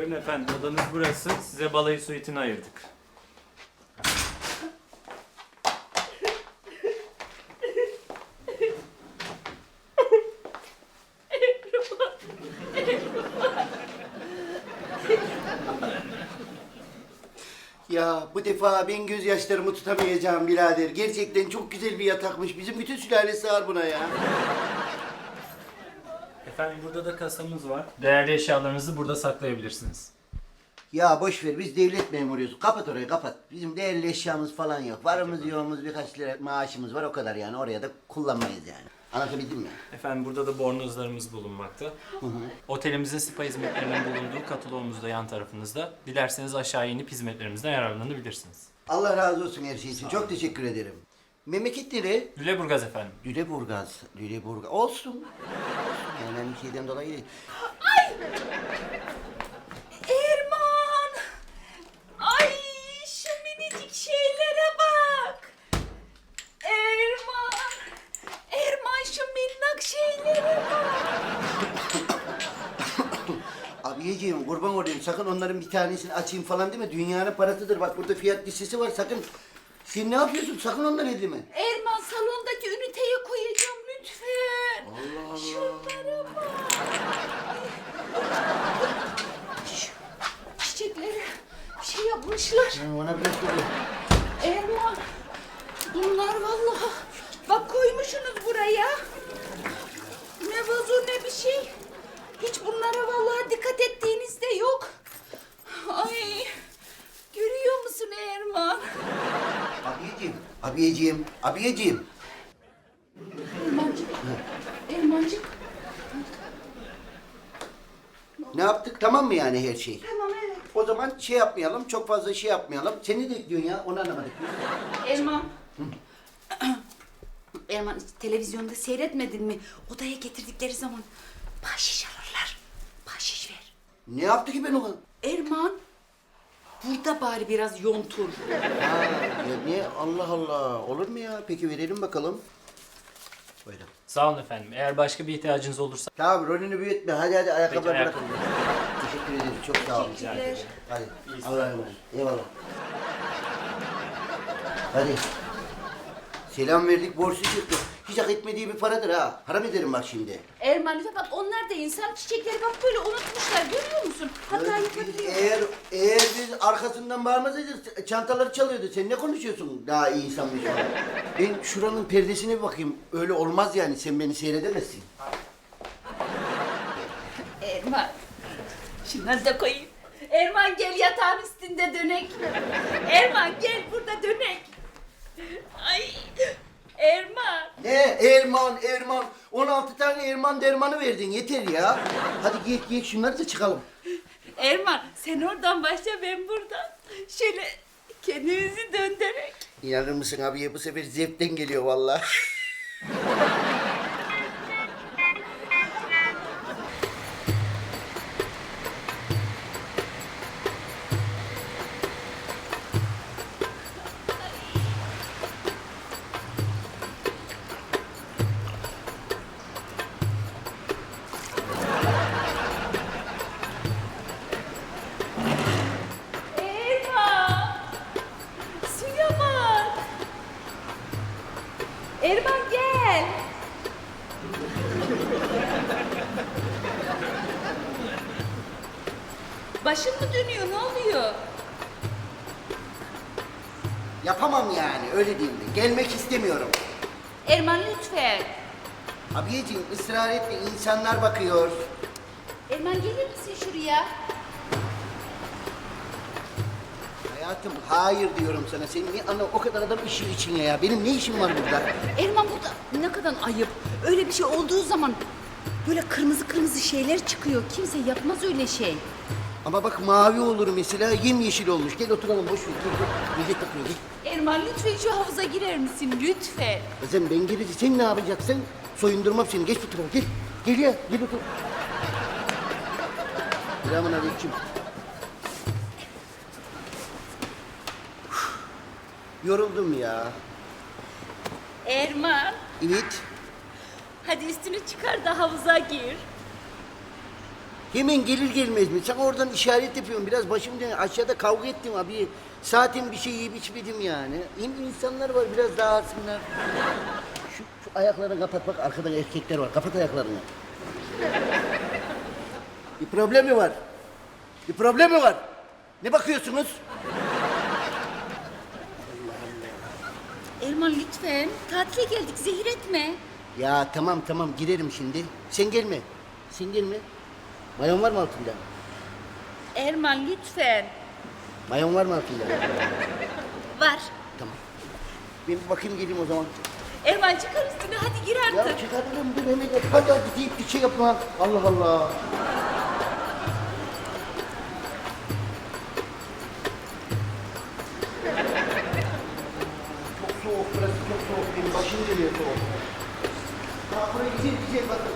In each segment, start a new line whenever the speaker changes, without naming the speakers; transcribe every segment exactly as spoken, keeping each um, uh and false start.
Buyurun efendim, odanız burası. Size balayı suitini ayırdık.
Ya bu defa ben gözyaşlarımı tutamayacağım birader. Gerçekten çok güzel bir yatakmış. Bizim bütün sülale sığar buna ya.
Efendim burada da kasamız var. Değerli eşyalarınızı burada saklayabilirsiniz.
Ya boş ver, biz devlet memuruyuz. Kapat orayı, kapat. Bizim değerli eşyamız falan yok. Varımız yoğumuz birkaç lira maaşımız var, o kadar yani. Oraya da kullanmayız yani. Anlatabildim mi?
Efendim burada da bornozlarımız bulunmakta. Hı hı. Otelimizin spa hizmetlerinin bulunduğu kataloğumuz da yan tarafınızda. Dilerseniz aşağı inip hizmetlerimizden yararlanabilirsiniz.
Allah razı olsun her şey için. Çok teşekkür ederim. Memleket nere?
Lüleburgaz efendim.
Lüleburgaz. Lüleburgaz. Olsun. Olsun. Yani ben bir şeyden dolayı değil.
Erman! Ay şu minicik şeylere bak! Erman! Erman şu minnak şeylere bak!
Abiyeciğim kurban olayım, sakın onların bir tanesini açayım falan deme. Dünyanın parasıdır. Bak burada fiyat listesi var, sakın. Sen ne yapıyorsun? Sakın onları edeme.
Erman salondaki üniteye koyacağım lütfen.
Allah Allah.
Şunlara bak. Ay. Şu çiçekleri şey yapmışlar.
Ben ona biraz dur.
Erman, bunlar vallahi. Bak koymuşsunuz buraya. Ne vazo ne bir şey. Hiç bunlara vallahi dikkat ettiğiniz de yok. Ay, görüyor musun Erman?
Abiyeciğim, abiyeciğim, abiyeciğim.
Ermancık, Ermancık.
Ne yaptık? Tamam mı yani her şey?
Tamam evet.
O zaman şey yapmayalım, çok fazla şey yapmayalım. Sen ne bekliyorsun ya? Onu anlamadık.
Erman. Erman hiç televizyonda seyretmedin mi? Odaya getirdikleri zaman bahşiş alırlar. Bahşiş ver.
Ne yaptı ki ben ona?
Erman, burada bari biraz yontur.
Ha, ya niye? Allah Allah. Olur mu ya? Peki verelim bakalım. Buyurun.
Sağ olun efendim. Eğer başka bir ihtiyacınız olursa...
Tamam, rolünü büyütme. Hadi hadi ayakkabıları
Peki,
bırakın. Teşekkür ederim. Çok sağ olun.
Teşekkürler.
Hadi. Allah'a emanet. Eyvallah. Hadi. Selam verdik, borçlu çıktı. Hiç hak etmediği bir paradır ha. Haram ederim bak şimdi.
Erman lütfen bak onlar da insan çiçekleri bak böyle unutmuşlar görüyor musun? Hata yapabiliyor.
Eğer, eğer biz arkasından bağırmasaydık çantaları çalıyordu. Sen ne konuşuyorsun daha iyi insanmış falan. Ben şuranın perdesine bir bakayım. Öyle olmaz yani, sen beni seyredemezsin.
Erman, şunları da koyayım. Erman gel yatağın üstünde dönek. Erman gel burada dönek. Ay, Erman.
Ne? Erman, Erman. on altı tane Erman dermanı verdin. Yeter ya. Hadi giy, giy şunları da çıkalım.
Erman sen oradan başla ben buradan. Şöyle kendimizi döndürerek.
İnanır mısın abiye, bu sefer zevkten geliyor vallahi.
Erman! Suya bak! Erman gel! Başın mı dönüyor? Ne oluyor?
Yapamam yani, öyle diyeyim de. Gelmek istemiyorum.
Erman lütfen.
Abiyeciğim ısrar etme, insanlar bakıyor.
Erman gelir misin şuraya?
Hayatım hayır diyorum sana. Senin niye ana o kadar adam işin içine ya? Benim ne işim var burada?
Erman burada ne kadar ayıp. Öyle bir şey olduğu zaman böyle kırmızı kırmızı şeyler çıkıyor. Kimse yapmaz öyle şey.
Ama bak mavi olur mesela, yemyeşil olmuş. Gel oturalım, boş ver. Gel, gel. Millet bakıyor, gel.
Erman lütfen şu havuza girer misin? Lütfen.
Kızım ben gelince sen ne yapacaksın? Soyundurmam seni. Geç bu tarafa, gel. Gel ya, gel otur. Selamun aleyküm. Yoruldum ya.
Erman
Evet.
hadi üstünü çıkar da havuza gir.
Hemen gelir gelmez mi? Sen oradan işaret yapıyorsun. Biraz başım dönüyor. Aşağıda kavga ettim abi. Saatin bir şey yiyip içmedim yani. Hem insanlar var biraz dağılsınlar. Şu, şu ayaklarını kapat bak. Arkada erkekler var. Kapat ayaklarını. Bir problem mi var? Bir problem mi var? Ne bakıyorsunuz?
Erman lütfen. Tatile geldik, zehir etme.
Ya tamam tamam girerim şimdi. Sen gelme. Sen gelme. Mayon var mı altında?
Erman lütfen.
Mayon var mı altında?
Var.
Tamam. Ben bir bakayım geleyim o zaman.
Erman çıkar üstüne, hadi gir
Ya
artık.
çıkarırım dur hemen yap. Hadi hadi deyip bir şey yapma. Allah Allah. Çok soğuk burası çok soğuk. Benim başım dönüyor soğuk. Ha buraya güzel güzel bakın.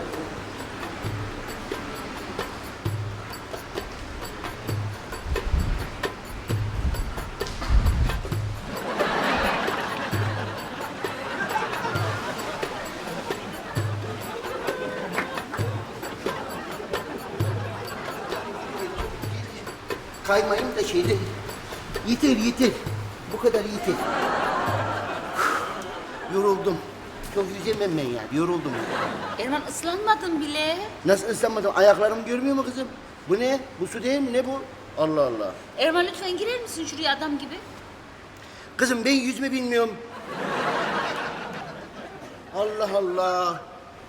Kaymayayım da şeyde. Yeter yeter. Bu kadar yeter. Yoruldum. Çok yüzemem ben yani. Yoruldum.
Erman ıslanmadın bile.
Nasıl ıslanmadım? Ayaklarımı görmüyor mu kızım? Bu ne? Bu su değil mi? Ne bu? Allah Allah.
Erman lütfen girer misin şuraya adam gibi?
Kızım ben yüzme bilmiyorum. Allah Allah.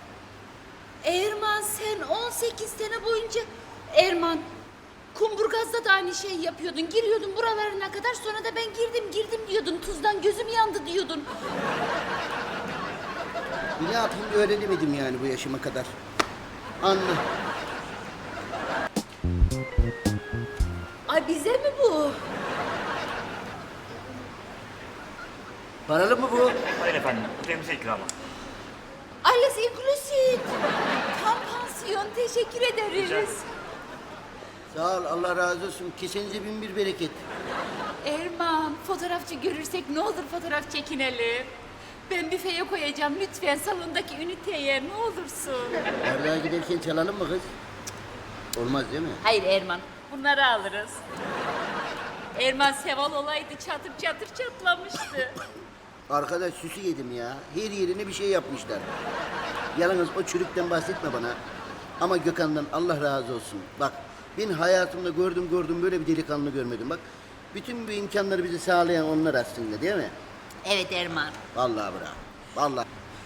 Erman sen on sekiz sene boyunca... Erman, Kumburgaz'da da aynı şeyi yapıyordun. Giriyordun buralarına kadar, sonra da ben girdim girdim diyordun. Tuzdan gözüm yandı diyordun.
Ne yapayım öğrenemedim yani bu yaşıma kadar. Anla.
Ay bize mi bu?
Paralı mı bu?
Hayır efendim, ödememize ikramı.
Alles inclusive. Tam pansiyon, teşekkür ederiz.
Sağ ol Allah razı olsun. Kesenize bin bir bereket.
Erman, fotoğrafçı görürsek ne olur fotoğraf çekinelim. Ben büfeye koyacağım lütfen salondaki üniteye ne olursun.
Bardağa giderken çalalım mı kız? Cık, olmaz değil mi?
Hayır Erman, bunları alırız. Erman Seval olaydı çatır çatır çatlamıştı.
Arkadaş süsü yedim ya. Her yerine bir şey yapmışlar. Yalnız o çürükten bahsetme bana. Ama Gökhan'dan Allah razı olsun. Bak ben hayatımda gördüm gördüm böyle bir delikanlı görmedim. Bak bütün bu imkanları bize sağlayan onlar aslında değil mi?
Evet Erman.
Vallahi bravo. Vallahi.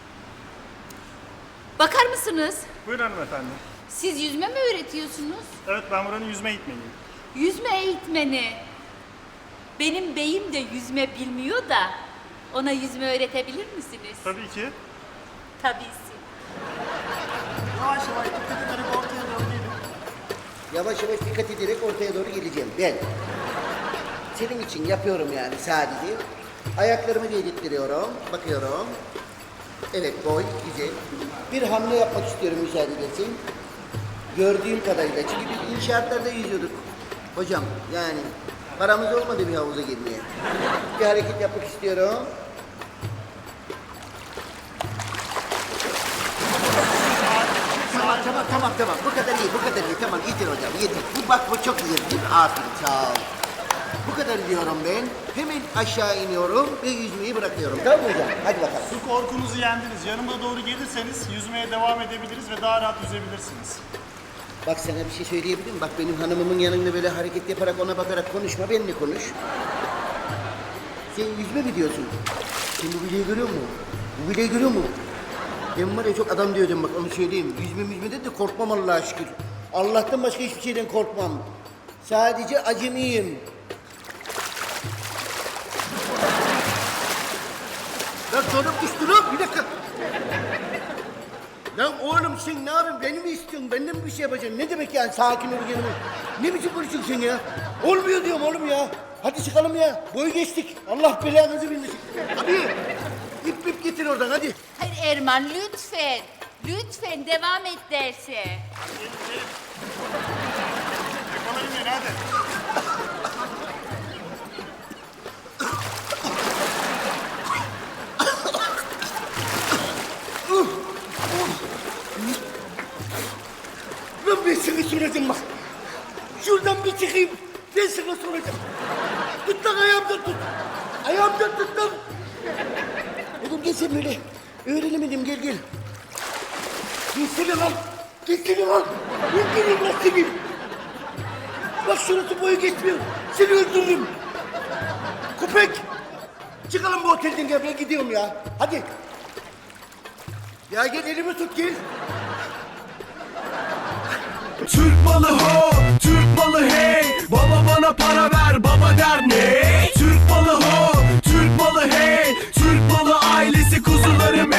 Bakar mısınız?
Buyurun hanımefendi.
Siz yüzme mi öğretiyorsunuz?
Evet ben buranın yüzme eğitmeniyim.
Yüzme eğitmeni. Benim beyim de yüzme bilmiyor da ona yüzme öğretebilir misiniz?
Tabii ki.
Tabisi.
Yavaş yavaş dikkat ederek ortaya doğru gelin.
Yavaş yavaş dikkat ederek ortaya doğru geleceğim ben. Senin için yapıyorum yani sadece. Ayaklarımı değdirtiyorum, bakıyorum. Evet boy, güzel. Bir hamle yapmak istiyorum müsaade edersin. Gördüğüm kadarıyla. Çünkü biz inşaatlarda yüzüyorduk. Hocam yani paramız olmadı bir havuza girmeye. Bir hareket yapmak istiyorum. Tamam tamam tamam tamam. Bu kadar iyi, bu kadar iyi. Tamam yeter hocam, yeter. Bu bak bu çok güzel. Değil mi? Aferin sağ ol. Bu kadar diyorum ben. Hemen aşağı iniyorum ve yüzmeyi bırakıyorum. Tamam mı hocam? Hadi bakalım.
Su korkunuzu yendiniz. Yanıma doğru gelirseniz yüzmeye devam edebiliriz ve daha rahat yüzebilirsiniz.
Bak sana bir şey söyleyebilir miyim? Bak benim hanımımın yanında böyle hareket yaparak ona bakarak konuşma. Benimle konuş. Sen yüzme mi diyorsun? Sen bu bileği görüyor musun? Bu bileği görüyor musun? Ben var ya çok adam diyordum bak onu söyleyeyim. Yüzme yüzmede de korkmam Allah'a şükür. Allah'tan başka hiçbir şeyden korkmam. Sadece acemiyim. Lan sonra düştü lan bir dakika. Lan oğlum sen ne yapıyorsun? Beni mi istiyorsun? Benden mi bir şey yapacaksın? Ne demek yani sakin ol yanıma? Ne biçim konuşuyorsun sen ya? Olmuyor diyorum oğlum ya. Hadi çıkalım ya. Boyu geçtik. Allah belanızı bildirsin. Abi ip ip getir oradan hadi.
Hayır Erman lütfen. Lütfen devam et derse.
Gelin gelin. Yakalayın beni hadi.
Lan ben sana soracağım bak. Şuradan bir çıkayım. Ben sana soracağım. Tut lan ayağımdan tut. Ayağımdan tut lan. Oğlum gel sen böyle. Öğrenemedim gel gel. Gelsene lan. Gelsene lan. Ben geleyim lan senin. Bak şurası boyu geçmiyor. Seni öldürürüm. Köpek. Çıkalım bu otelden gel ben gidiyorum ya. Hadi. Ya gel elimi tut gel.
Türk malı ho, Türk malı hey. Baba bana para ver, baba der ne? Türk malı ho, Türk malı hey. Türk malı ailesi kuzularım